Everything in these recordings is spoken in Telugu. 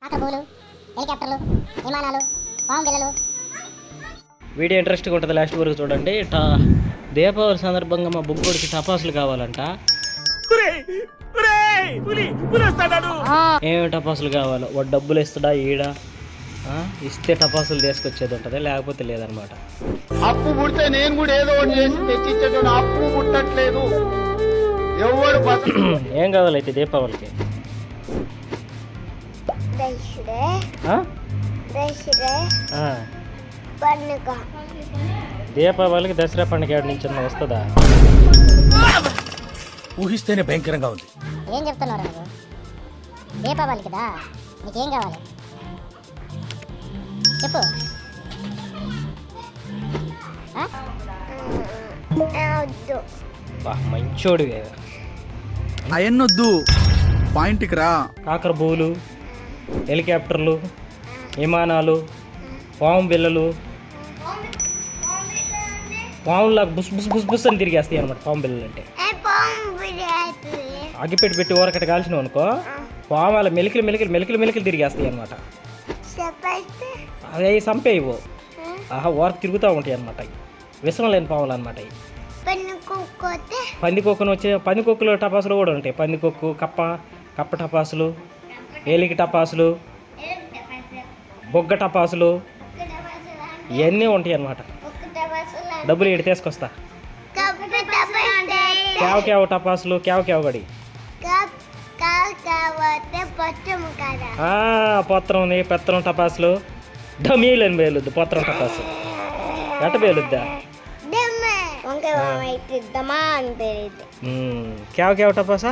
ఆకబోలు హెలికాప్టర్లు విమానాలు పాము బిళ్ళలు. వీడియో ఇంట్రెస్ట్గా ఉంటుంది, లాస్ట్ వరకు చూడండి. దీపావళి సందర్భంగా మా బుగ్గోడికి టపాసులు కావాలంట. ఏమేమి టపాసులు కావాలో వాడు డబ్బులు ఇస్తాడా ఈడ ఇస్తే టపాసులు తీసుకొచ్చేది ఉంటుంది, లేకపోతే లేదనమాట. అప్పు పుడితే నేను కూడా ఏదో ఒకటి చేసి తెచ్చిచ్చేటోడు. అప్పు పుట్టట్లేదు ఎవరు. ఏం కావాలైతే దీపావళికి? దీపావళికి దసరా పండుగ ఏడు నుంచి వస్తుందా? ఊహిస్తేనే భయంకరంగా ఉంది. ఏం చెప్తున్నారు నువ్వు? దీపావళి కదా, నీకేం కావాలి చెప్పు. మంచోడు అయన్నొద్దు, పాయింట్కి రా. కాకర బోలు, హెలికాప్టర్లు, విమానాలు, పాము బిళ్ళలు. పాములాగా బుస్ బుస్ బుస్ బుస్ అని తిరిగేస్తాయి అనమాట పాము బిళ్ళలు అంటే. అగ్గిపెట్టి పెట్టి ఊరకట్ట కాల్చినావు అనుకో, పాము అలా మెలికలు మెలికలు మెలికలు మెలికలు తిరిగేస్తాయి అనమాట. అవి చంపేయవు, ఊరకు తిరుగుతూ ఉంటాయి అనమాట. విషం లేని పాములు అనమాట. పందికొక్కును వచ్చే పందికొక్కులు టపాసులు కూడా ఉంటాయి. పందికొక్కు, కప్ప టపాసులు, ఏలికి టపాసులు, బొగ్గ టపాసులు ఇవన్నీ ఉంటాయి అన్నమాట. డబ్బులు ఇటు తీసుకొస్తా. కేవ టపాసులు, కేవ గడి పొత్రం ఉంది. పెత్తనం టపాసులు, డమీలు అని పేలుద్ది. పొత్రం టపాసు ఎట్ట పేలుద్దా? కేవ టపాసా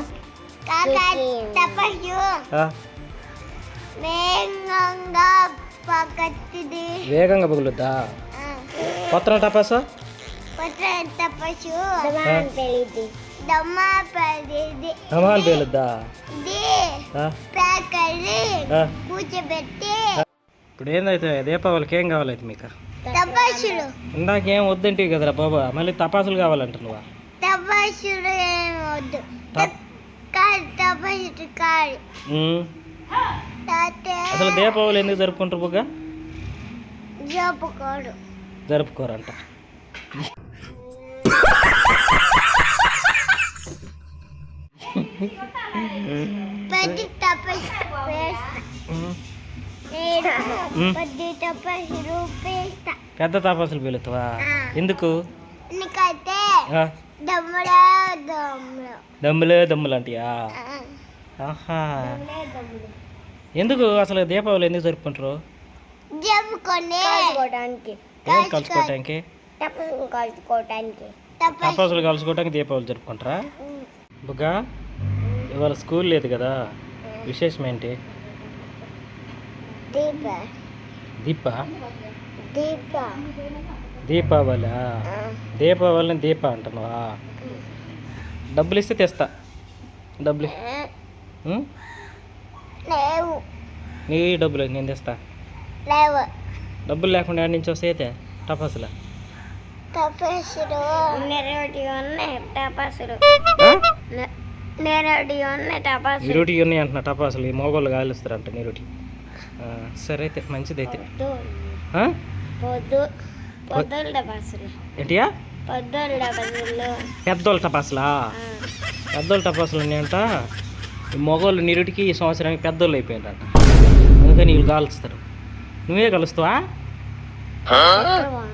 వేగంగా పగులుద్దా? పొత్రం టపాసా దమాన్ పేలుద్దా? ఇప్పుడు ఏందైతే దీపావళికి ఏం కావాలైతే మీకు? ఇందాకేం వద్దంటే కదరా బాబా, మళ్ళీ తపాసులు కావాలంట నువ్వు. అసలు దీపావళి ఎందుకు జరుపుకుంటారు బుగ్గా? జరుపుకోరంట. పెద్ద తపాసులు పేలుతావా? ఎందుకు? దమ్ములు అంటియా? ఎందుకు అసలు దీపావళి ఎందుకు జరుపుకుంటారు? కలుసుకోవటానికి, టపాసులు కలుసుకోవటానికి దీపావళి జరుపుకుంటారా? బుగ్గా ఇవాళ స్కూల్ లేదు కదా, విశేషం ఏంటి? దీపావళి. దీపావళిని దీప అంటున్నావా? డబ్బులు ఇస్తే తెస్తా. డబ్బులు నీ డబ్బులు నేను తెస్తా. డబ్బులు లేకుండా ఎక్కడి నుంచి వస్తాయితే టపాసులు? నిరుటి ఉన్నాయి అంటున్నా టపాసులు. ఈ మోగోళ్ళు కాలుస్తారంట నిరుటి. సరే అయితే మంచిదైతే. ఏంటియా? పెద్దోళ్ళ టపాసులా? పెద్దోళ్ళ టపాసులు ఉన్నాయంట. ఈ మగోళ్ళు నిరుటికి ఈ సంవత్సరానికి పెద్దోళ్ళు అయిపోయిందంట, అందుకని వీళ్ళు కాలుస్తారు. నువ్వే కలుస్తావా?